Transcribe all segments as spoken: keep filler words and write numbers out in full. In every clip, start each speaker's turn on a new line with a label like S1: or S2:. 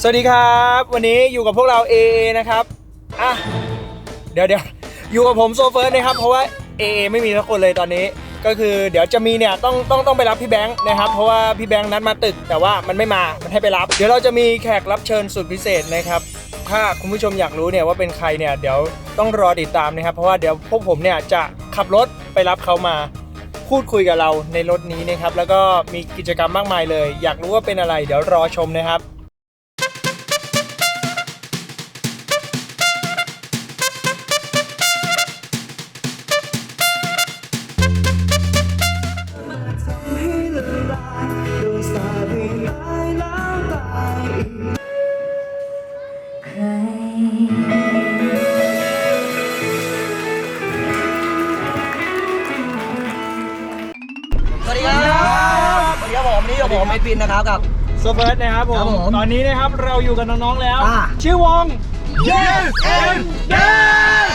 S1: สวัสดีครับวันนี้อยู่กับพวกเรา เอ เอ นะครับอ่ะเดี๋ยวเดี๋ยวอยู่กับผมโซเฟิร์สนะครับเพราะว่า เอ เอ ไม่มีทุกคนเลยตอนนี้ก็คือเดี๋ยวจะมีเนี่ยต้องต้องต้องไปรับพี่แบงค์นะครับเพราะว่าพี่แบงค์นัดมาตึกแต่ว่ามันไม่มามันให้ไปรับเดี๋ยวเราจะมีแขกรับเชิญสุดพิเศษนะครับถ้าคุณผู้ชมอยากรู้เนี่ยว่าเป็นใครเนี่ยเดี๋ยวต้องรอติดตามนะครับเพราะว่าเดี๋ยวพวกผมเนี่ยจะขับรถไปรับเขามาพูดคุยกับเราในรถนี้นะครับแล้วก็มีกิจกรรมมากมายเลยอยากรู้ว่าเป็นอะไรเดี๋ยวรอชมนะครับ
S2: สวัสดีครับสวัสดีครับผมวันนี้อยู่ผมไอปินนะครับกับ
S1: โซเฟิร์สนะครับผมตอนนี้นะครับเราอยู่กับน้องๆแล้วชื่อวง Yes and Yes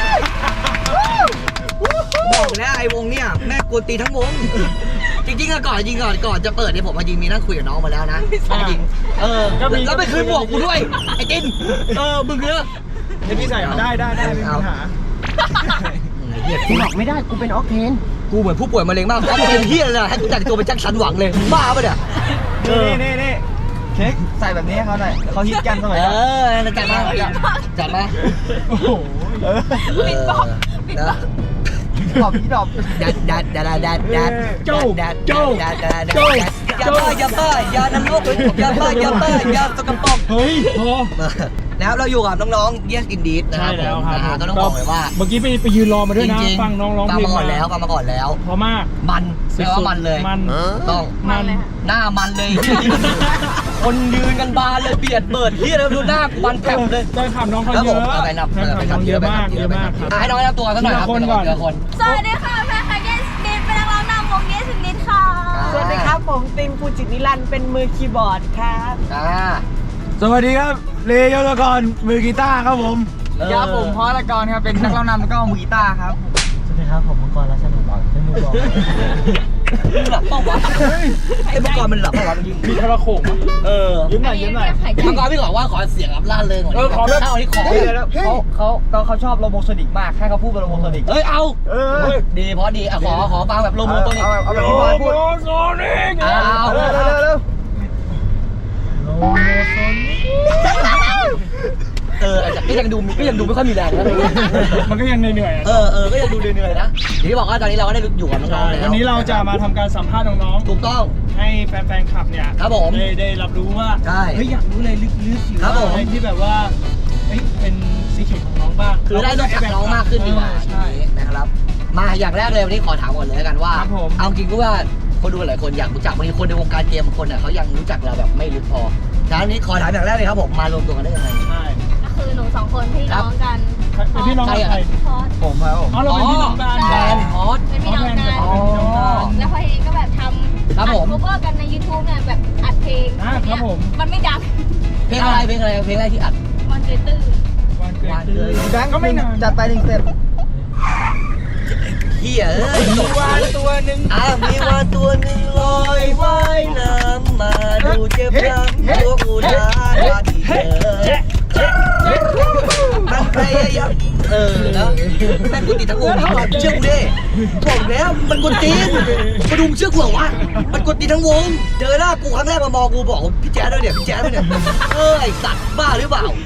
S2: บอกแล้วไอวงเนี่ยแม่กวนตีทั้งวงจริงๆอะก่อนจริงก่อนก่อนจะเปิดเนี่ยผมมาจริงมีนั่งคุยกับน้องมาแล้วนะจริงเออแล้วไปคืนหมวกกูด้วยไอตินเออมึงเนอะ
S1: เดี๋ยวพี่ใส่ได้ได้ได้ไม่มีปัญหา
S2: เหี้ยกูบอกไม่ได้กูเป็นออกเทนกูเหมือนผู้ป่วยมะเร็งมากออกเทนเฮียเลยให้กูแต่งตัวเป็นแจ็คสันหวังเลยบ้าปะเนี่ย
S1: นี่นี่นี่เค้กใส่แบบนี้เขาหน่อยเขาฮิตกันสมัยนั้น
S2: เออจัดมาจัดมา
S1: โอ้โห
S3: ปิดบอกปิดบอก
S1: ดอบพี่ดอบ
S2: ดัดดัดดัดดัดดัด
S1: โจ้โจ้
S2: ดัดดัดโจ้อย่าป้าอย่าป้าอย่านำลูกอย่าป้าอย่าป้าอย่าสกปรก
S1: เฮ้ยพอ
S2: แล้วเราอยู่กับน้องๆ Yes Indeed นะครับผมก็ต้องบอกเลยว่า
S1: เมื่อกี้ไปไปยืนรอมาด้วยนะฟังน้องร้องเพลง
S2: มาก่อนแล้วฟังมาก่อนแล้ว
S1: พอมาก
S2: มันแปลว่ามันเลย
S1: มัน
S2: ต้อง
S1: มัน
S2: หน้ามันเลยคนยืนกันบานเลยเบียดเบิดเฮียแล้วดูหน้ามันแผลเลย
S1: ได้ข่าวน้องเขาเยอะ
S2: ไปนับไปนับเยอะมากเยอะมากให้น้องแนะนำตัวสักหน่อยครับคนก่อนคน
S3: สวัสดีค่ะแม่ค่ะ Yes Indeed เป็นนักร้องนำวง Yes Indeed ค่ะ
S4: สวัสดีครับผมตินภูจิตนิรันดร์เป็นมือคีย์บอร์ดครับ
S2: อ่า
S1: สวัสดีครับเลโยตะกรมือกีตาร์ครับผม
S4: ครับผมพอละกรครับเป็นนักร้องนำแล้วก็มือกีตาร์ครับ
S1: สวัสดีครับผมมังกรรัชนนท์บอกเป็นมือกลอง
S2: หลับเปล่าวะไอ้มังกรมันหลับเปล่าวะ
S1: มีแค่ว่าโขกเออยิ้มหน่อยยิ้มหน่อย
S2: มังกรพี่บอกว่าขอเสียงแบบล่าเริงกว่านี้ขอแบบเอาที่ขอ
S4: เขาเขาตอนเขาชอบโลโมโซนิกมากให้เขาพูดเป็นโลโมโซนิก
S2: เอ้ยเอาเออดีเพราะดีอ่ะขอขอฟังแบบโลโมโซนิก
S4: เอาแบบพี่บอยพูด
S1: โลโมโซนิก
S2: เอา
S4: เร็วเร็วเร็ว
S1: โลโมโซนิก
S2: เออก็ยังดูก็ยังดูไม่ค่อยมีแรงนะ
S1: มันก็ยังเหนื่อย
S2: ๆเออเออก็ยังดูเหนื่อยๆนะที่บอกว่าตอนนี้เราก็ได้อยู่กับน้องๆแล้ว
S1: วันนี้เราจะมาทำการสัมภาษณ์น้อง
S2: ๆถูกต้อง
S1: ให้แฟนๆคลับเนี่ย
S2: ครับผม
S1: ได้ได้รับรู้ว่าเฮ้ยอยากรู้เลยลึกๆอยู่อะไรที่แบบว่าเฮ้ยเป็นซีเคร็ตของน้องบ้าง
S2: คือได้รู้จักน้องมากขึ้นดีกว่าใช่นะครับมาอย่างแรกเลยวันนี้ขอถามก่อนเลยกันว่าเอาจริงก็ว่าคนดูหลายคนอยากรู้จักบางทีคนในวงการเกมบางคนเนี่ยเขายังรู้จักเราแบบไม่ลึกพอฉะนั้นนี้ขอถามอย่างแรกเลยครับผมมารวมตัวกันได้ยังไง
S1: ใช่
S3: ก็คือหนูสองคนพี่น้องกัน
S1: เป็นพี่น้องใคร
S3: พอส
S1: ผมครับผมอ๋อเราเป็นพี่น้องกัน
S2: แฟนพอส
S3: เป็นพี่น้องกันแล้วพอเองก็แบบทำ
S2: ครับผม
S3: อัดโคเวอร์กันใน ยูทูบ เนี่ยแบบอัดเพลง
S1: ครับผม
S3: มันไม่ดัง
S2: เพลงอะไรเพลงอะไรเพลงอะไรที่อัด
S3: วันเกิดตื่น
S1: วันเกิดตื่นแบงค์ก็ไม่นาน
S4: จัดไปหนึ่งสเต็ป
S2: เฮียเอ้ย
S1: มีวานตัวหนึ่ง
S2: อ่ะมีวานตัวหนึ่งลอยว่ายน้ำมาดูเจ็บช้ำตัวอุดาว่าที่เธอมันพยายามเออนะแม่งกูติดทั้งวงเชื่อกูดิบอกแล้วมันกวนตีนมาดูเชื่อกูเหรอวะมันกวนตีนทั้งวงเจอหน้ากูครั้งแรกมามองกูบอกพี่แจ๊ดด้วยเนี่ยพี่แจ๊ดด้วยเนี่ยเออไอสัตว์บ้าหรือเปล่า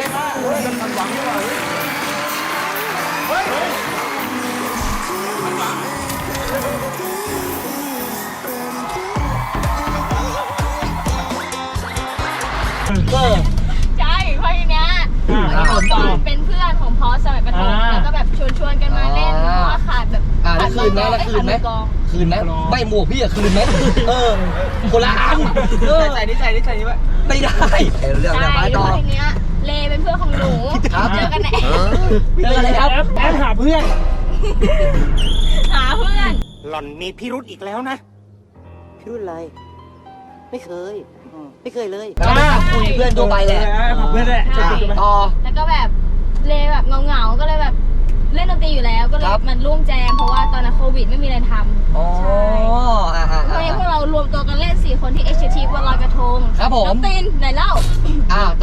S3: ใช่เพราะทีเนี้ยเป็นเพื่อนของพอสสมัยประถมแล้วก็แบบชวนชวนกันมาเล่นเพราะว่าขาดแบบ
S2: ขาดคืนไหมแล้วคืนไหมคืนไหมไม่หมวกพี่อะคืนไหมเออคนละอัน
S4: ใส่นี่ใส่นี่ใส่นี่ไว้
S2: ไม่ได้เรื่องอะไรต่อ
S3: ทีเนี้ยเลเป็นเพื่อนของหนูเจอกันไหน
S2: เจออะไรครับ
S1: แอบหาเพื่อน
S3: หาเพื่อน
S1: หล่อนมีพิรุธอีกแล้วนะ
S2: พิรุธอะไรไม่เคยไม่เคยเลยคุยเพื่อนตัวไปแหละ
S1: เพื่อนแหละ
S2: ต่อ
S3: แล้วก็แบบเลแบบเงาๆก็เลยแบบเล่นดนตรีอยู่แล้วก็เลยมันร่วมแจมเพราะว่าตอนนั้นโควิดไม่มีอะไรทำ
S2: อ๋อ
S3: เพราะพวกเรารวมตัวกันเล่นสี่คนที่เอ็กซ์ทีฟวันลอยกระทง
S2: ครับผม
S3: น้องตีนไหนเล่า
S2: อ้าว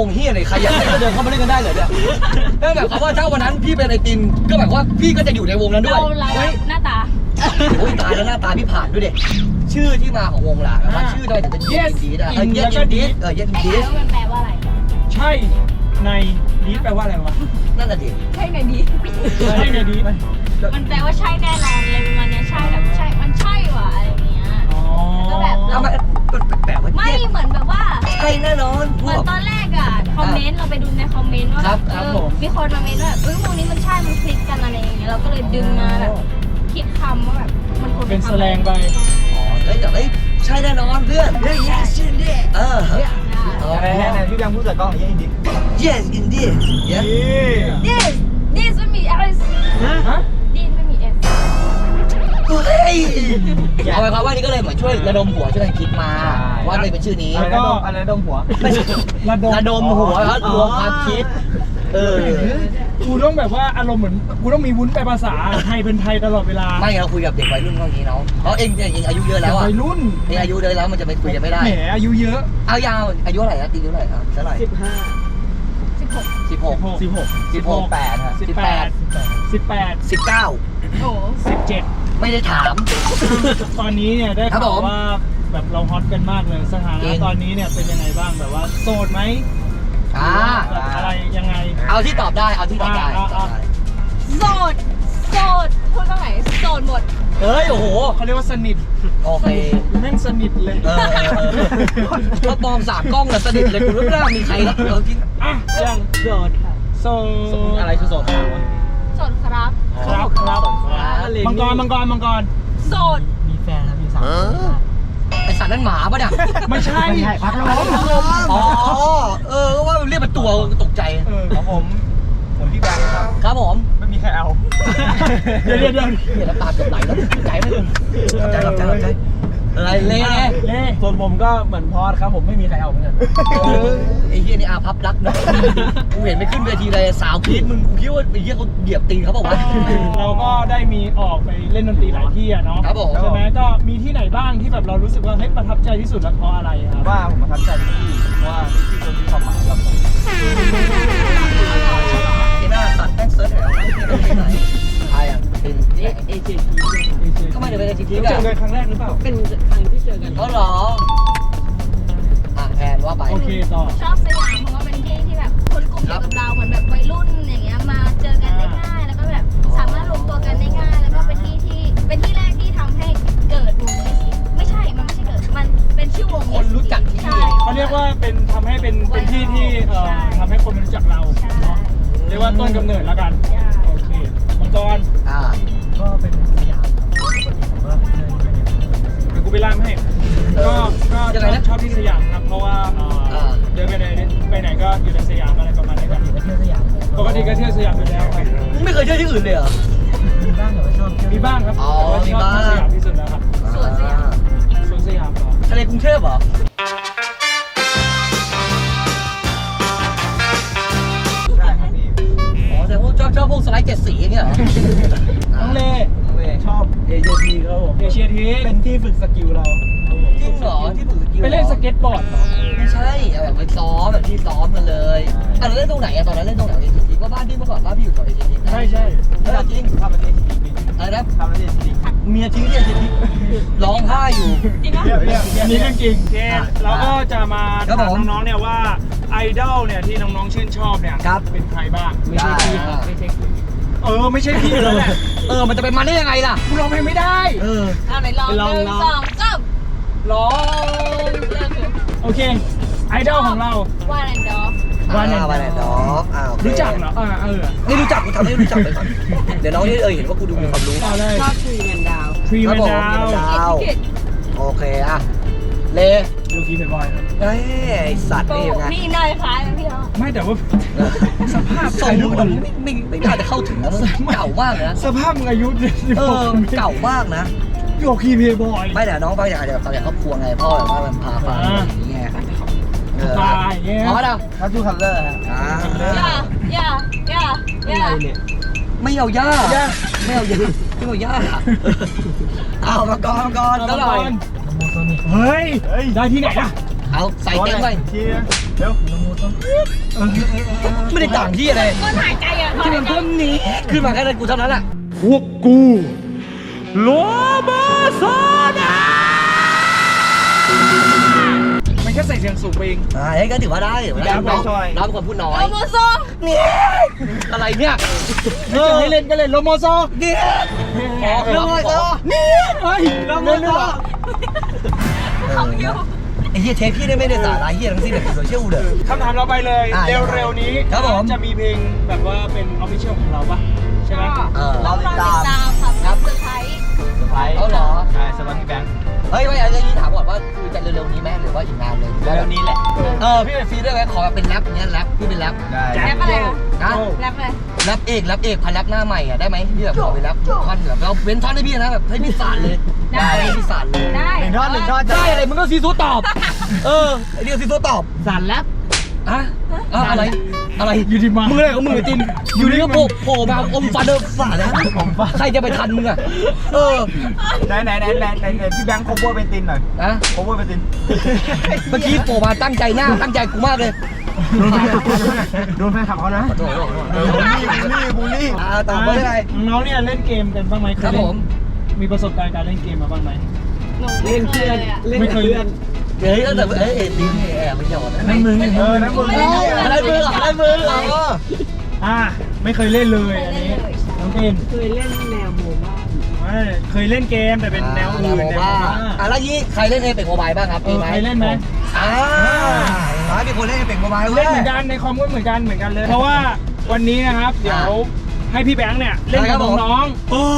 S2: วงเฮียอะไรใครอยากเล่นก็เดินเข้ามาเล่นกันได้เลยเนี่ยนั่นแบบเขามว่าถ้าวันนั้นพี่เป็นไอติมก็แบบว่าพี่ก็จะอยู่ในวงนั้นด้วย
S3: เราเรา
S2: เฮ้ย
S3: หน้าตา
S2: โอ้ยตายแล้วหน้าตาพี่ผ่านด้วยเด็กชื่อที่มาของวงหลักว่าชื่อทำไมถึงเป็น
S1: Yes
S2: ดีได้เออ
S1: in
S2: เย็น
S1: แล้วก็
S2: อินดี
S1: Deed
S2: เออเย็นอิน
S3: ไอ้
S2: ดี
S3: แล้วมันแปลว่าอะไร
S1: ใช่ในดีแปลว่าอะไรวะ
S2: นั่นน่ะดิ
S3: ใช่ไงดี
S1: ใช่ในดีไหม
S3: มันแปลว่าใช่แน่นอนเลยประมาณเนี้ยใช่แบบใช่ มันใช่ว่ะอะไรอย่างเงี้ย
S1: อ๋อ
S3: ก็แบบ
S2: ทำไมแปลกๆว่า
S3: ไม่
S2: เย็น
S3: เหมือนแบบว่า
S2: ใช่แน่นอน
S3: เหมือนตอนแรกอะคอมเมนต์เราไปดูในคอมเมนต์ว่า
S2: ครับ
S3: เอ
S2: ครับ
S3: อ
S2: ผม
S3: มีคนมาเมนต์ว่าแบบเอ้ยวงนี้มันใช่ มันคลิกกันอะไรอย่างเงี้ยเราก็เลยดึงมาแบบคิดคำว่าแบบมันควร
S1: เป็น
S3: คำ
S1: แสลงไป
S2: อ๋อเฮ้ยแต่เฮ้ยใช่แน่นอนเพื่อน yes indeed เออ
S1: อะไรไหนพี่แบงค์พูดใส่กล้องอย่างนี้
S2: yes indeed yeah
S3: ดิสดิสไม่มี S
S1: ฮะ
S3: ดิสไม่มี S
S2: เฮ้ยเอาไปความว่านี่ก็เลยเหมือนช่วยระดมหัวช่วยกันคิดมา ว่าเลยเป็นชื่อนี้
S1: แล้วก็
S5: อะไรดมหัว
S2: ไม่ใช่
S1: ระดม
S2: ระดมหัวครับรวมความคิด เออ
S1: กูต้องแบบว่าอารมณ์เหมือนกูต้องมีวุ้นแปลภาษาไทยเป็นไทยตลอดเวลา
S2: ไม่เราคุยกับเด็กวัยรุ่นเท่านี้เนาะเพราะเองเองอายุเยอะแล้วอ่ะ
S1: วัยรุ่น
S2: เองอายุเยอะแล้วมันจะไปคุยกันไม่ได้
S1: แหมอายุเยอะ
S2: เอายาวอายุเท่าไหร่นะตีอายุเท่าไหร่ครับเท่าไหร่
S4: สิบห้า
S3: สิบหก
S2: สิบหก
S1: สิบหก
S2: สิบหกแปดฮะ
S1: สิบแปดสิบแปด
S2: สิบเก้า
S3: โอ้โห
S1: สิบเจ็ด
S2: ไม่ได้ถาม
S1: ตอนนี้เนี่ยได้
S2: ครับ
S1: ข่าว
S2: ผม
S1: ว่าแบบเราฮอตกันมากเลยสถา
S2: จริ
S1: นะ
S2: ง
S1: ตอนนี้เนี่ยเป็นยังไงบ้างแบบว่าโสดไหม
S2: อ่า
S1: แบบอะไรยังไง
S2: เอาที่ตอบได้เอาที่ตอบได้
S1: อ่าอ่า
S3: โสดโสดพูดตรงไหนโสดหมด
S2: เฮ้ยโอ้โห
S1: เขาเรียกว่าสนิท
S2: โอเค
S1: แม่งสนิทเลย
S2: เออเออเออถ้ามองสามกล้องเลยสนิทเลยคุณไม่น่ามีใครแล้วเออจริง
S1: อ่ะยัง
S4: โดดค่ะ
S1: โสด
S5: อะไรคือโสด
S3: โสดครับ
S1: ครับครับมังกรมังกรมังกร
S3: โสด
S5: มีแฟนแล้วมีสาว
S2: ไอสัตว์นั่นหมาปะเนี่ย
S1: ไม่ใช่
S5: ไม่ใช่พัดลม
S2: อ๋อเออก็ว่ามันเรียกเป็นตัวตกใจ
S1: เออ
S5: ของผมผมพี่แบงค์ครับ
S2: ครับผม
S5: ไม่มีใครเอา
S1: เดี๋ยวเดี๋ยวเดี๋ยว
S2: เห็นแล้วตาเกือบไหลแล้วใจไม่ถึงใจรับใจรับใจอะไรเล่
S1: เล่
S5: ส่วนผมก็เหมือนพอดครับผมไม่มีใครเอาเหมือนกัน
S2: เออไอ้เหี้ยนี่อาพับรักนะกูเห็นไปขึ้นเวทีเลยสาวพีทมึงกูคิดว่าไอ้เหี้ยเขาเหยียบตีนเขาบอกว่า
S1: เราก็ได้มีออกไปเล่นดนตรีหลายที่อะเนาะ
S2: ครับผม
S1: ใช่ไหมก็มีที่ไหนบ้างที่แบบเรารู้สึกว่าเฮ้ยประทับใจที่สุดแล้วเพราะอะไรครับ
S5: ว่าผมประทับใจที่เพราะว่าที่คนมีความหมายกับผม
S2: ที่หน้าสัตว์แม่งเซิร์ชหน่อยว่าที่ไหนใครอ่ะเป็น
S4: เอเอเจที
S2: ก็ไม่ได้เป็นไอทีที
S1: เจ
S2: กั
S1: อน กันครั้งแรกหรือเปล่า
S4: เป็นครั้งที่เจอกัน
S2: เขาหรออ่ะแทนว่าไป
S1: โอเคต่อ
S3: ชอบสยามเพราะว่าเป็นที่ที่แบบคนกลุ่มเดียวกับเราเหมือนแบบวัยรุ่นอย่างเงี้ยมาเจอกันได้ง่าย แล้วก็แบบสามารถรวมตัวกันได้ง่าย แล้วก็เป็นที่ที่เป็นที่แรกที่ทำให้เกิดวงเอสไม่ใช่มันไม่ใช่เกิดมันเป็นชื่อวง
S2: คนรู้จักที่
S3: ใช่
S1: เขาเรียกว่าเป็นทำให้เป็นเป็นที่ที่เอ่อ
S3: ใช่
S1: ทำให้คนรู้จักเรา
S3: ใช่
S1: เนาะเรียกว่าต้นกำเนิดแล้วกัน
S3: ใช่
S1: โอเคมังกร
S2: อ่า
S5: ก็เป็นสยามครับปกติผมก็เดินไปเนี่ย
S1: เดี๋ยวกูไปล่ามให้ก็ก็ชอบชอบที่สยามครับเพราะว่าเอ่อ
S2: อ่า
S1: เดินไปไหนไปไหนก็อยู่ในสยามอะไรประมาณนี้ครับ
S5: ไปเที่ยวสยาม
S1: ปกติก็เที่ยวสยามอยู่แล้วครับ
S2: ไม่เคยเที่ยวที่อื่นเลยเหรอ
S5: มีบ้างแต่ว่าชอบเที่ยว
S1: มีบ้างครับ
S2: อ๋อ
S1: แต่ว่าชอบ
S2: มีบ้าง
S1: ที่สยามที่สุดแล้วครับ
S3: สวนสยาม
S1: สวนสยามเหรอ
S2: ทะเลกรุงเทพเหรอ
S5: ใช่ครับพี่
S2: อ๋อแต่พวกชอบชอบพวกสไลด์เจ็ดสีอย่างเงี้ยเหรอ
S1: น้องเล่
S5: ชอบเอเจทีครับผม
S1: เอเชียที
S5: เป็นที่ฝึกสกิลเรา
S2: จริงเหรอที่ฝึกสกิล
S1: ไปเล่นสเก็ตบอร์ดเหรอ
S2: ไม่ใช่เอาแบบไปซ้อมแบบที่ซ้อมกันเลยอ่ะเราเล่นตรงไหนอะตอนนั้นเล่นตรงไหนเอเจทีก็บ้านพี่เมื่อก่อนบ้านพี่อยู่แถวเอเจที
S1: ใช่ใช่
S2: เออจริง
S5: ทำประเทศจริง
S2: อะไรนะ
S5: ทำประเทศจริง
S2: เมียทิ้งที่เอเจทีร้องไห้อยู่
S3: จริงปะ
S1: เรียบเรียบอันนี้เรื่องจริงโอเค
S2: อ่ะ
S1: เราก็จะมา
S2: ครับ
S1: ถาม
S2: ผม
S1: น้องๆเนี่ยว่าไอดอลเนี่ยที่น้องๆชื่นชอบเนี่ย
S2: ครับ
S1: เป็นใครบ้าง
S2: ไม่ใช่พี่ครับ
S1: ไม่ใช่พี่เออไม่ใช่พี่แล้วแหละ
S2: เออมันจะเป็นมาได้ยังไงล่ะ
S1: กูร้องเพลงไม่ได้
S2: เออ
S3: เอาไหนลอง
S1: ลอง
S3: หนึ่ง
S1: ลอง
S3: สองสาม
S1: ร้อง
S3: เริ่มเลย
S1: โอเคไอดอลของเรา
S3: วานแอนด์ดอฟ
S1: One and
S2: อ่า One and Dog อ่าโอเค
S1: รู้จักเหรออ่าเออ
S2: ไม่รู้จักกูทำให้รู้จักไปก่อน เดี๋ยวน้องที่เออเห็นว่ากูดูมีความรู้
S1: ต่อเลย
S4: ชอบทรีแมนดาว
S1: ทรี
S2: ค
S1: แม
S2: รับ
S1: น
S2: ผม
S1: ดาว
S2: Three Man Down
S3: กิจ
S2: โอเคอ่ะ เล
S1: ดูคีเพย์บอยครับ
S2: เอ้ยไอ้สัตว์
S3: โอ้
S2: นี่ยังไง
S3: นี่นายคล้ายนะพี่เนาะ
S1: ไม่แต่ว่าสภาพ
S2: ส่ง
S1: อายุ
S2: มึงไม่ไม่ไม่น่าจะเข้าถึงนะมันเก่ามากเลยนะ
S1: สภาพมึงอายุสิบ
S2: เอ
S1: หก
S2: อมันเก่ามากนะ
S1: โยคีเพย์บอย
S2: ไม่แต่น้องฟังจากจากจากครอบครัวไงพ่อแบบว่ามันพาฟังอย่างเงี้ยเออ
S1: ตายเงี้ย
S2: อ๋อเด้อ
S5: ครับทูคัลเลอร์ฮะ
S2: อ่า
S3: อย่าอย่าอย่าอย่า
S2: ไม่เอาย่าไม่เอาย่าไม่เอาย่าเอามาก่อนมาก่อน
S1: เอา
S2: แล้ว
S1: มา
S2: หน่
S1: ก่
S2: อ
S1: อย นเฮ้ยได้ที่ไหนล่ะ
S2: เอาใส่เต็มไป
S1: ทีเร็ว
S2: ไม่ได้ต่างที่อะไร
S3: มันหายใจอ่ะ
S2: ที่มันเพิ่มนี้ขึ้นมาแค่นั้นกูเท่านั้นแหละ
S1: พวกกูโลมาโซดามันแค่ใส่เสียงสูงไปเอง
S2: อ่าเฮ้ยก็ถือว่าได้ถือว่าได้
S1: ได้
S2: น้อง
S1: ช่วย
S2: น้องเป็นคนพูดน้อย
S3: โลโมโซ
S2: นี่อะไรเนี่ย
S1: ไม่จะให้เล่นก็เล่นโลโมโซ
S2: นี่
S1: อ๋อ
S2: โลโมโซ
S1: นี่เฮ้ยโลโมโซ
S3: เขาอยู่
S2: ไอ้เหี้ยเทปพี่ได้ไม่ได้สาระเหี้ยทั้งสิ้นเลยโซเชียลเลย
S1: คำถามเราไปเลย
S2: อ่ะ
S1: เร็วๆนี้
S2: ครับผม
S1: จะมีเพลงแบบว่าเป็นออฟฟิเชียลของเราปะใช่ไหม
S2: เออ
S3: เราติดตามครับเซอร์ไพรส์
S1: เซอร์ไพรส์
S2: เอาเหรอ
S1: ใช่สวัสดีแบงค์
S2: เฮ้ยไม่อันนี้ถามก่อนว่าคือจะเร็วๆนี้ไหมหรือว่าอีกนานเลย
S1: เร็วๆนี้แหละ
S2: เออพี่เป็นฟรีได้ไหมขอแบบเป็นแรปอย่างเงี้ยแรปพี่เป็นแรป
S1: ได้
S3: แรปอะไรคะ
S2: นะ
S3: แรปอะไร
S2: แรปเอกแรปเอกพันแรปหน้าใหม่อ่ะได้ไหมพี่แบบขอเป็นแรปท่อนแบบเราเว้นท่อนให้พี่นะแบบให้พี่สานเลยได้ให้พี่สานเลย
S3: ได้
S1: หนึ่งท่อนหนึ่งท่อน
S2: ได้อะไรมึงก็ซีซูตอบ เออไอเดียวซีซูตอบ
S5: สารแลบ
S2: อะอะอะไรอะไร
S1: อยู่ที่มา
S2: มึงอะไรของมึงไอ้จินอยู่นี่ก็โผล่โผล่มาอมฟันเดอร์ฝาดนะใครจะไปทันมึงอ่ะเออ
S1: ไหนไหนไหนไหนไหนไหนพี่แบงค์โคเวอร์เป็นตินหน่อย
S2: อะ
S1: โคเวอร์เป็นติน
S2: เมื่อกี้โผล่มาตั้งใจหน้าตั้งใจกูมากเลย
S1: โดนแฟนขับเขานะ
S2: ขอโทษขอโทษ
S1: เออบูลลี่บูลลี่บูลลี่
S2: อ่าต่อไปได้ไง
S1: น้องเนี่ยเล่นเกมกันบ้างไหม
S2: ครับผม
S1: มีประสบการณ์การเล่นเกมมาบ้างไหม
S3: หนูไม่เคยเลยอ่ะ
S1: ไม่เคย
S2: เฮ้ยตั้งแต่เอ้ยเอ็ดดิ้งแอบไปหยอดนะ
S1: นั่นมือเออนั่นมือ
S2: อะไรมืออะไรมืออ๋อ
S1: อ่าไม่เคยเล่นเลยอันนี้น้องติน
S5: เคยเล่นแนวโมบ้า
S1: ไม่เคยเล่นเกมแต่เป็นแนวอื่นแนว
S2: บ้า
S1: บ้า
S2: อ่ะแล้วยี่ใครเล่นเอเป็กโมบายบ้างครับ
S1: เออใครเล่นไหม
S2: อ่าอ่ามีคนเล่นเอเป็กโมบาย
S1: เล่นเหมือนกันในคอมก็เหมือนกันเหมือนกันเลย เพราะว่าวันนี้นะครับเดี๋ยวให้พี่แบงค์เนี่ยเล่นกับน้องๆโอ้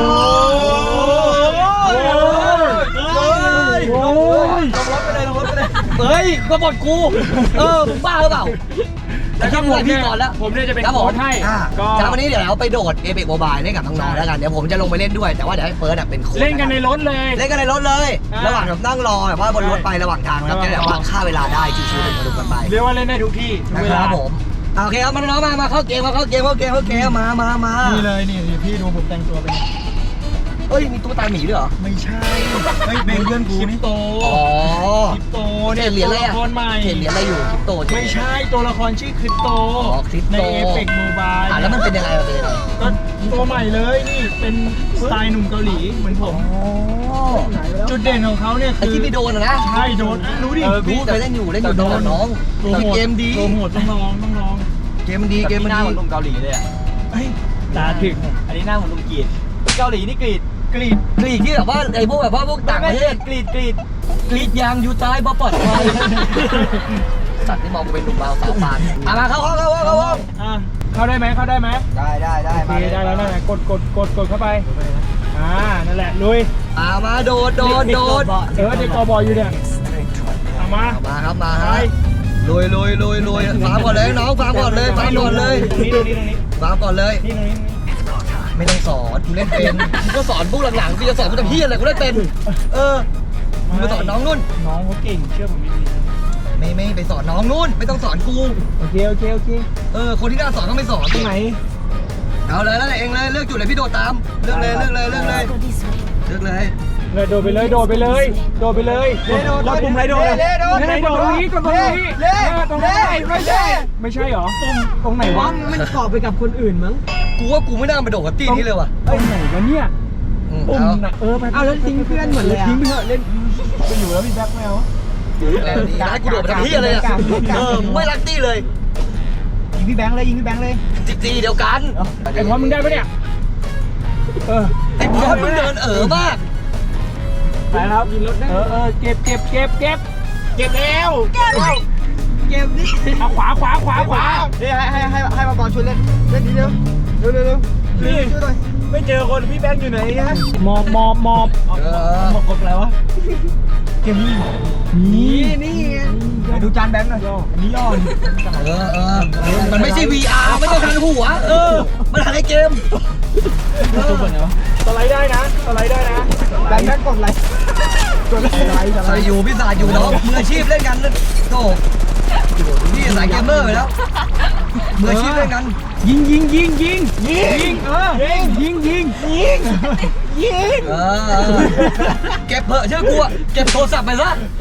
S1: ยโอ้ยโอ้ย
S2: ลงรถไปเลยลงรถไปเลยเฮ้ยก็บอดกูเออมึงบ้าหรือเปล่า
S1: แต่ถ้าผมเนี่ยผมเนี่ยจะเป็นโค้ชให้ก็
S2: จากวันนี้เดี๋ยวเราไปโดดเอเ c กโมบายเล่นกับน้องๆแล้วกันเดี๋ยวผมจะลงไปเล่นด้วยแต่ว่าเดี๋ยวให้เฟิร์สเป็นโค้ช
S1: เล่นกันในรถเลย
S2: เล่นกันในรถเลย ระหว่างแบบนั่งรอแบบว่าบนรถไประหว่างทางนะครับจะได้แบบว่าฆ่าเวลาได้ชิวๆสนุกกันไป
S1: เรียกว่าเล่นได้ทุกที่ทุก
S2: นะ
S1: เว
S2: ค
S1: ลา
S2: รับผมโอเคครับมาน้องๆมามาเข้าเกมมาเข้าเกมเข้าเกมเข้าเกมมามามา
S1: นี่เลยนี่พี่ดูผมแต่งตัวเป็น
S2: เฮ้ยมีตุ๊กตาหมีด้วยเหรอ
S1: ไม่ใช่เฮ้ยเป็นเพื่อนกูนี่โต
S2: อ๋อ
S1: คริปโต
S2: เห็
S1: เนี่ย
S2: นเหรียญอะไร
S1: ตัว
S2: อ่ะ
S1: ละครใหม่
S2: เห็นเหรียญอะไรอยู่คริปโต
S1: ไม่ใช่ตัวละครชื่อคริปโต
S2: อ๋อคริปโต
S1: ในเอฟเฟกต์โมบาย
S2: อ่ะแล้วมันเป็นยังไงมันเป็นยังไง
S1: ก็ตัวใหม่เลยนี่เป็นสไตล์หนุ่มเกาหลีเหมือนผม
S2: อ๋อ
S1: จุดเด่นของเขาเนี่ย
S2: ไอ้
S1: คือ
S2: ที่ไปโดนอะนะ
S1: ใช่โดนรู้ดิ
S2: เออรู้เคยเล่นอยู่เล่นอยู่โดนน้อง
S1: โปรโมท
S2: เกมดี
S1: โปรโมทต้องลองต้องลอง
S2: เกมมันดีเกมมันดี
S5: หนุ่มเกาหลีเลยอ่ะ
S1: เฮ้ยตาถึง
S5: อันนี้หน้าเหมือนหนุ่มกรีดเกาหลีนี่กรีด
S1: กรีด
S2: กรีดที่แบบว่าไอ้พวกแบบว่าพวกต่างประเทศ
S5: กรีดกรีด
S2: กรีดยางอยู่ใต้บ่ปลอดภัยสัตว์ที่มองกูเป็นหนุ่มบ่าวสาวปานอ่ะมาเข้าห้องเข้าห้องเข้าห้อง
S1: อ่ะเข้าได้ไหมเข้าได้ไหม
S2: ได้ได้ได้
S1: โอเคได้แล้วนั่นแหละกดกดกดกดเข้าไปอ่านั่นแหละลุย
S2: อ่ามาโดดโดดโดด
S1: เออเด็กกอบออยู่เนี่ยเอามา
S2: มาครับมา
S1: ไป
S2: ฮะลุยลุยลุยลุยฟาร์มก่อนเลยน้องฟาร์มก่อนเลยฟาร์มก่อนเลย
S1: ตรงนี้ตรงนี้ตรงนี้
S2: ฟาร์มก่อนเลย
S1: นี่ตรงนี้
S2: ไม่ต้องสอนกูเล่นเป็นกูก็สอนพวกหลังๆกูจะสอนกูจะพี่อะไรกูเล่นเป็น เออกูไปสอนน้องนุ่น
S1: น้องเขาเก่งเชื่อผมดี
S2: ไม่ไม่ไปสอนน้องนุ่นไม่ต้องสอนกู
S1: โอเคโอเคโอเค
S2: เออคนที่น่าสอนก็ไม่สอน
S1: ตรงไหน
S2: เอาเลยแล้วเองเลยเลือกจุดเลยพี่โดดตามเลือกเลยเลือกเลยเลือกเลยเลือกเลย
S1: เลยโดดไปเลยโดดไปเลยโดดไปเลยแล้วปุ่มอะไรโดดอ่ะไหนโดดตรงนี้กดตรงนี้ตรงนี้ไม่ใช่ไม่ใช่หรอปุ่มตรงไหนวะ
S5: มันเกาะไปกับคนอื่นมั้ง
S2: กูว่ากูไม่น่ามาโดดกับตี้นี้เลยว่ะ
S1: ตรงไหนวะเนี่ย
S2: อืม
S1: ปุ่ม
S2: เอา
S1: น่ะเออไป
S5: เอาแล้วทิ้งเพื่อนหมดเลยอ่ะ
S1: ทิ้งไปเถอะเล่นไปอยู่แล้วพี่แบ็คแมว
S2: เออดีนะให้กูโดดไปทำพี่อะไรอ่ะเออไม่รักตี้เลย
S1: ยิงพี่แบงค์เลยยิงพี่แบงค์เลย
S2: จิกตีเดียวกัน
S1: ไอ้พอมึงได้ปะเนี่ยเออ
S2: ไอ้บอสมึงเดินเอ๋อมาก
S1: ไปครับเออเออเก็บเก็บเก็บเก็บเก็บแล้วเก็บแล้ว
S5: เกมนี้
S1: เอาขวาขวาขวาขวา
S5: ให้ให้ให้ให้มาบอลช่วยเล่นเล่นทีเดียวเร็วเร็วเร็ว
S1: นี่
S5: ช่วยหน่อย
S1: ไม่เจอคนพี่แบงค์อยู่ไหนฮะมอบมอบมอบ
S2: เออ
S1: มอบกบอะไรวะเกมนี้นี่
S5: นี่
S1: ไปดูจานแบงค์หน่อยอันนี้ย่อ
S2: เออเออมันไม่ใช่ วี อาร์ ไม่ต้องทางหัวเออมันทางไอ้เกม
S1: ตัวเหมือนวะสไลด์ได้นะสไลด์ได้นะ
S5: แบงค์แบงค์กดไลค์กดไลค์ไลค์
S2: ใส่อยู่พี่สายอยู่น้องมืออาชีพเล่นกันโธ่พี่สายเกมเมอร์ไปแล้วมืออาชีพเล่นกัน
S1: ยิงยิงยิงยิงยิงเออยิงยิงยิงยิงยิง
S2: เออเก็บเพอะเชื่อกูอะเก็บโทรศัพท์ไปซะ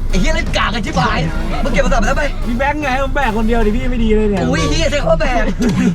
S2: ไอ้เหี้ยเล่นกากกันชิบหายมึงเก็บโทรศัพท์ไปแล้วไป
S5: พี่แบงค์ไงผมแบกคนเดียวดิพี่ไม่ดีเลยเนี่ย
S2: อุ้ยเฮียใช่เขาแบก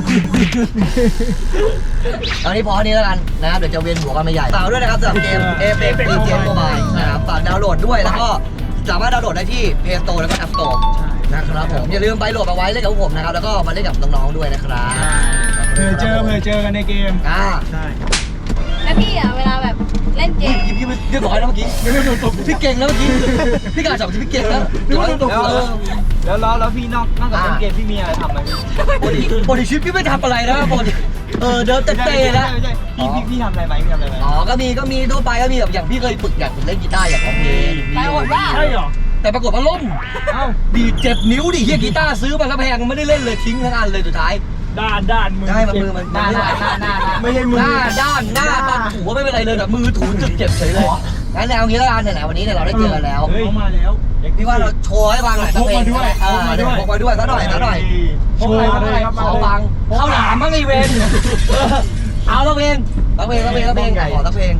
S2: ตอนนี้พอนี้แล้วกันนะครับเดี๋ยวจะเวียนหัวกันไม่ใหญ่ฝากด้วยนะครับสำหรับเกม Apex Legends Mobile นะครับฝากดาวน์โหลดด้วยแล้วก็สามารถดาวน์โหลดได้ที่ Play Store แล้วก็ App Store นะครับผมอย่าลืมไปโหลดเอาไว้เล่นกับพวกผมนะครับแล้วก็มาเล่นกับน้องๆด้วยนะครับ
S1: เผื่อเจอเผื่อเจอกันในเกม
S2: อ่า
S5: ใช่
S3: แล้วพี่อ่ะเวลาแบบเล่นเกม
S2: พี่พี่เรียบร้อยแล้วเมื่อกี้พี่เก่งแล้วเมื่อกี้พี่กาจับพี่เก่งแล้ว
S5: แล้วแล้วแล้วพี่นอกนอกจากเล่นเกมพี่มีอะไรทำไหมพี่
S2: ปกติปกติชีวิตพี่ไม่ทำอะไรนะปกติเออเดินเตะๆแล้ว
S5: ไม่ใช่พี่พี่พี่ทำอะไรไหมพี่ทำอะไรไหม
S2: อ๋อก็มีก็มีทั่วไปก็มีแบบอย่างพี่เคยฝึกอยากฝึกเล่นกีตาร์อยากร้องเพลง
S3: ไปหมดว่า
S1: ใช่เหรอ
S2: แต่ปรากฏว่าล่ม
S5: เอ้า
S2: ดีดเจ็บนิ้วดิเฮียกีตาร์ซื้อมาแล้วแพงไม่ได้เล่นเลยทิ้งทั้งอันเลยสุดท้าย
S1: ด้านด้านมือ
S2: ใช่มันมือมัน
S5: หน้าหน้าหน้าหน้า
S1: ไม่ใช่มือ
S2: หน้าด้านหน้าตอนถูไม่เป็นไรเลยแต่มือถูจนเจ็บเฉยเลยงั้นแนวนี้แล้วกันไหนๆวันนี้เนี่ยเราได้เจอกันแล้ว
S1: เฮ้ยมาแล้ว
S2: พี่ว่าเราโชว์ให้ฟังหน่อยสักเพลง
S1: พกมาด้วย
S2: เออ
S1: พกมาด้วย
S2: พกมาด้วยสักหน่อยสักหน่อย
S1: โชว์อะไร
S2: ขอฟังเข้าหลามบ้างไอเวนเอาสักเพลงสักเพลงสักเพลงสักเพลงขอสักเพลง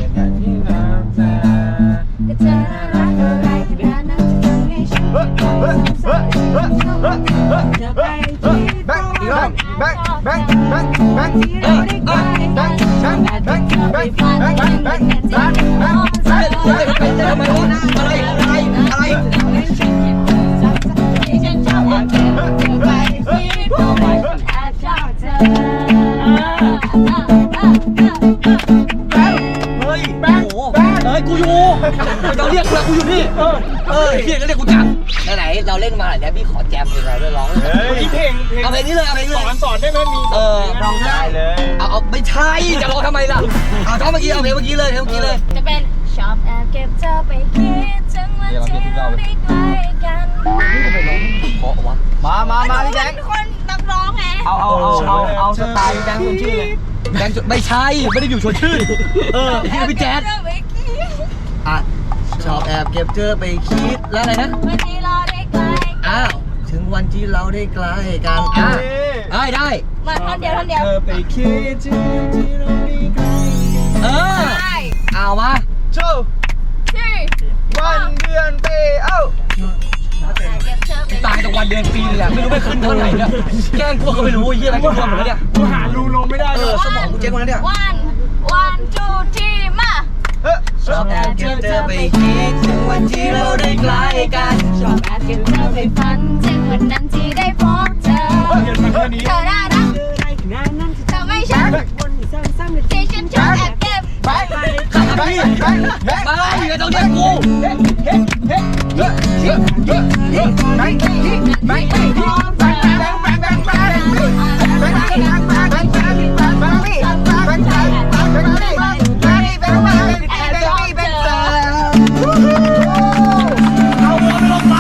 S3: ก็เจอรักอะไรขนาดนั้นจะทำให้ฉันจะไปที่
S1: แบงค์อีกรอบแบงค์แบงค์แบงค์แบงค์
S2: เออเออ
S1: แบงค์แบงค์แบงค์แบงค์แบงค์แบงค์แบงค์แบงค์แบงค์แบงค์
S2: เฮ้ยเฮ้ยเป็นทำไมวะอะไรอะไรอะไร
S3: ที่ฉันชอบแอบเก็บเก็บไว้ที่ตัวแอบชอบเธอ
S2: เฮ้ยแบงค์เฮ้ยกูอยู่เราเรียกกูแล้วกูอยู่นี่เออเรียกก็เรียกกูจังไหนๆเราเล่นมาหลายแล้วพี่ขอแจมเพลงอะไรด้วยร้อง
S1: เฮ้ยเพลงเพลง
S2: เอาเพลงนี้เลยเอาเพลงนี้
S1: ส
S2: เล
S1: อย นสอนได้ไหมมี
S2: เออ
S1: ร้องได้เลย
S2: เอาเอาไม่ใช่จะร้องทำไมล่ะเอาท่อนเมื่อกี้เอาเพลงเมื่อกี้เลยเพลงเมื่อกี้เลย
S3: จะเป็นชอบแอบเก็บเธอไปคิดถึงวันที่เราได้ใกล้กัน
S2: นี่ทำไมร้องเพราะวะ
S5: มามามาพี่แบงค์
S3: เป็นคนนักร้องไง
S5: เอาเอาเอาเอาเอาสไตล์พี่แบงค์คนชื่อเลย
S2: แบงค์ไม่ใช่ไม่ได้อยู่ชวนชื่นเออพี่เป็นพี่แจ๊ด
S3: เธอไปคิด
S2: อ่ะชอบแอบเก็บเธอไปคิดแล้วอะไรนะ
S3: วันที่เราได้ใกล้
S2: อ้าวถึงวันที่เราได้ใกล้กันอ่ะได้ได้
S3: มาท่อนเดียวท่อนเดียว
S1: เธอไปคิดถึงที่เราได้ใกล้กัน
S2: เออ
S3: ใช่
S2: เอามา
S1: โชว์
S3: ที่
S1: วันเดือนปีเอ้า
S3: แอบเก็บเธอไป
S2: ตายแต่วันเดือนปีเลยอะไม่รู้ไม่ขึ้นเท่าไหร่เนี่ยแกล้งพวกก็ไม่รู้ไอ้เหี้ยอะไรกันพวกหมดแล้วเนี่ย
S1: กูหารูลงไม่ได้
S2: เอ
S1: เล
S2: อย สมองกูเจ๊งหมดแล้วเนี่ย
S3: วันวันจูที่มา
S1: เฮ้ย
S2: ชอบแอบเก็บเธอไปคิดถึงวันที่เราได้ใกล้กัน
S3: ชอบแอบเก็บเธอไปฝันถึงวันนั้นที่ได้พบเธอ
S1: เรียนมาแค่นี้
S3: เธอน่ารักเธอไม่ใช่ที่ฉันชอบแอบเก็บ
S1: ไปไปไปไปไป
S2: มาอย่าต้องเรียกกู
S1: เฮ้เฮ้เฮ้เฮ้เฮ้เฮ้เฮ้ไปไปไปไปไปไปไป
S2: เอาหัวไปลงไป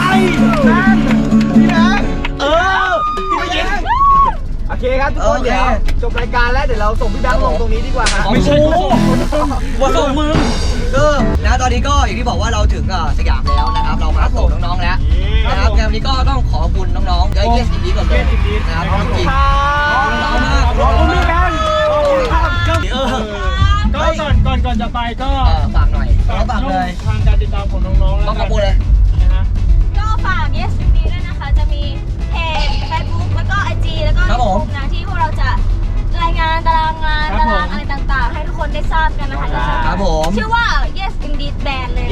S2: เออพี่ไปยิง
S5: โอเคครับทุกคนเดี๋ยวจบรายการแล้วเดี๋ยวเราส่งพี่แบงค์ลงตรงนี้ดีกว่าครับ
S2: ไม่ใช่กูหัวส่งมึงเออนะตอนนี้ก็อย่างที่บอกว่าเราถึงสยามแล้วนะครับเรามาส่งน้องๆแล้วนะครับงานวันนี้ก็ต้องขอบคุณน้องๆเยอะแยะสิบนี้ก่อนเลยนะครับจริงๆน้องมาก
S1: ขอบคุณพี่แบงค์ขอบคุณครับ
S2: เออ
S1: ก็ก่อนก่อนก่อนจะไปก็
S2: เออฝากหน่อยฝากเลย
S1: ทางการติดตามของน้องๆ
S2: ต้องขอบคุณเลย
S1: นะฮะ
S3: ก็ฝาก Yes ยู บี ด้วยนะคะ จะมีเพจ Facebook แล้วก็ ไอ จี แล้วก็ YouTube นะที่พวกเราจะรายงานตารางงานตารางอะไรต่างๆ ให้ทุกคนได้ทราบกันนะคะ
S2: ครับผม
S3: ชื่อว่า Yes Indeed Band เลย
S1: เย้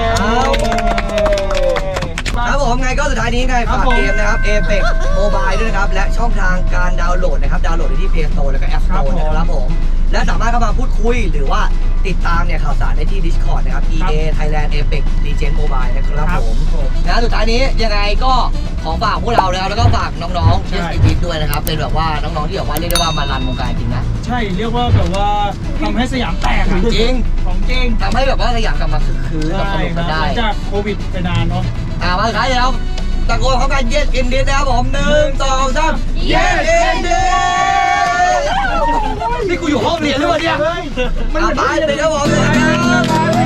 S2: ครับผมไงก็สุดท้ายนี้ไงฝากเกมนะครับ Apex Mobile ด้วยนะครับและช่องทางการดาวน์โหลดนะครับดาวน์โหลดได้ที่ Play Store แล้วก็ App Store นะครับผมและสามารถเข้ามาพูดคุยหรือว่าติดตามเนี่ยข่าวสารได้ที่ Discord นะครับ อี เอ Thailand Apex Legends Mobile นะครับผมนะสุดท้ายนี้ยังไงก็ขอฝากพวกเรานะครับแล้วก็ฝากน้องๆ Yes Indeed ด้วยนะครับเป็นแบบว่าน้องๆที่แบบว่าเรียกได้ว่ามารันวงการจริงนะ
S1: ใช่เรียกว่าแบบว่าทำให้สยามแตกอะ
S2: จริง
S1: ของจริง
S2: ทำให้แบบว่าสยามกลับมาคึกคืนกับสนุกกันได้
S1: หลังจากโควิดไปนานเนาะ
S2: อ่ามาสุดท้ายแล้วตะโกนเขากัน Yes Indeed นะครับผมหนึ่งสองสาม Yes Indeed นี่กูอยู่ห้องเรียนหรือเปล่าเนี่ยมันตายเลยครับผมเลยครับ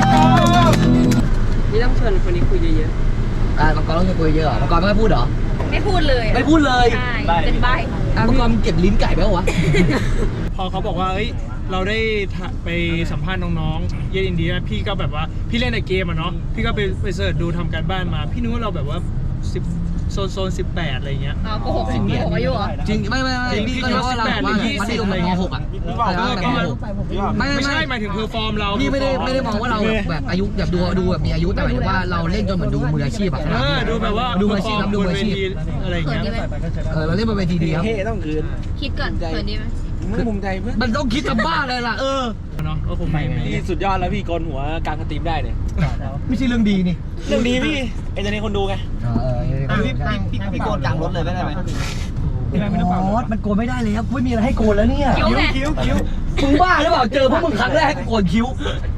S4: นี่ต้องเชิญคนนี้คุยเยอะ
S2: อ่ามังกรต้องจะคุยเยอะเหรอมังกรไม่ค่อยพูดเหรอ
S3: ไม่พูดเลย
S2: ไม่พูดเลย
S3: ใช่เป็นใบ
S2: มังกรเก็บลิ้นไก่ไปเหรอวะ
S1: พอเขาบอกว่าเอ้ยเราได้ถ่าไปสัมภาษณ์น้องๆเยนอินเดียพี่ก็แบบว่าพี่เล่นในเกมอะเนาะพี่ก็ไปไปเสิร์ชดูทำการบ้านมา พี่นึกว่าเราแบบว่าสิบโซนโซนสิบแปดอะไรเงี้ย
S3: อ๋อโกหกสิบโกหกอายุเหรอ
S2: จริงไม่ไม่ไม่พี่ก็รู้ว่าเราว่ามันได้ลงม .หก อ่ะ
S1: เออประมาณ
S2: ไม่
S1: ไม่
S2: ไม่
S1: ใช่
S2: ไม่
S1: หมายถึงเพอร์ฟอร์มเรา
S2: พี่ไม่ได้ไม่ได้มองว่าเราแบบอายุแบบดูดูแบบมีอายุแต่หมายถึงว่าเราเล่นจนเหมือนดูมืออาชีพอะ
S1: เออดูแบบว่า
S2: ดูมืออาชีพครับดูมืออาชีพ
S1: อะไรเงี้ย
S2: เออเราเล่นบนเวทีดีครับ
S6: เฮ้ต้องคืน
S3: คิดก่อนเขินดีไหม
S6: มึงภูมิใจเพื่อน
S2: มันต้องคิดกับบ้าเลยล่ะเออ
S1: เนาะก็คงไม่
S6: พี่สุดยอดแล้วพี่โกนหัวกลางสตรีมได้เนี่ย
S2: ไม่ใช่เรื่องดีนี่
S6: เรื่องดีพี่เอ็นเตอร์เทนคนดูไง
S2: เออ
S5: พี่พี่พี่โกนกลางรถเลยได้ไหม
S2: โอ้มันโกนไม่ได้แล้วไม่มีอะไรให้โกนแล้วเนี่ย
S3: คิ้วไง
S1: คิ้วคิ้ว
S2: มึงบ้าหรือเปล่าเจอพวกมึงครั้งแรกโกนคิ้ว